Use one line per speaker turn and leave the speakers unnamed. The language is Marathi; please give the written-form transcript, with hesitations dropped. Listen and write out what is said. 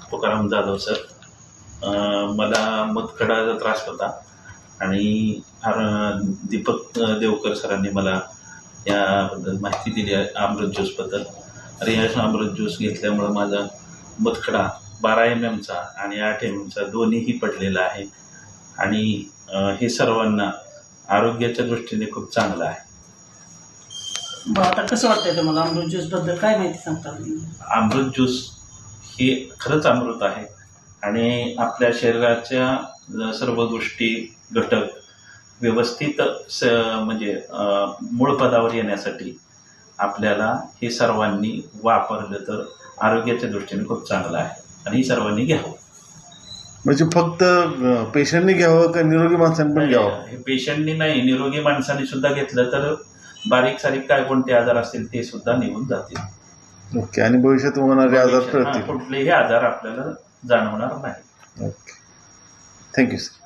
तुकाराम जाधव सर. मला मतखडाचा त्रास होता आणि दीपक देवकर सरांनी मला याबद्दल माहिती दिली आहे अमृत ज्यूसबद्दल. आणि या अमृत ज्यूस घेतल्यामुळं माझा मतखडा 12 mmचा आणि 8 mmचा दोन्हीही पडलेला आहे आणि हे सर्वांना आरोग्याच्या दृष्टीने खूप चांगलं आहे.
आता कसं वाटतंय तुम्हाला अमृत ज्यूसबद्दल काय माहिती सांगता?
अमृत ज्यूस हे खरंच अमृत आहे आणि आपल्या शरीराच्या सर्व गोष्टी घटक व्यवस्थित म्हणजे मूळ पदावर येण्यासाठी आपल्याला हे सर्वांनी वापरलं तर आरोग्याच्या दृष्टीने खूप चांगलं आहे आणि ही सर्वांनी घ्यावं.
म्हणजे फक्त पेशंटनी घ्यावं का निरोगी माणसांनी पण घ्यावं?
हे पेशंटनी नाही, निरोगी माणसांनी सुद्धा घेतलं तर बारीक सारीक काय कोणते आजार असतील ते सुद्धा निघून जातील.
ओके. आणि भविष्यात होणारे आजार टळतील.
कुठलेही आजार आपल्याला जाणवणार नाही.
ओके. Thank you sir.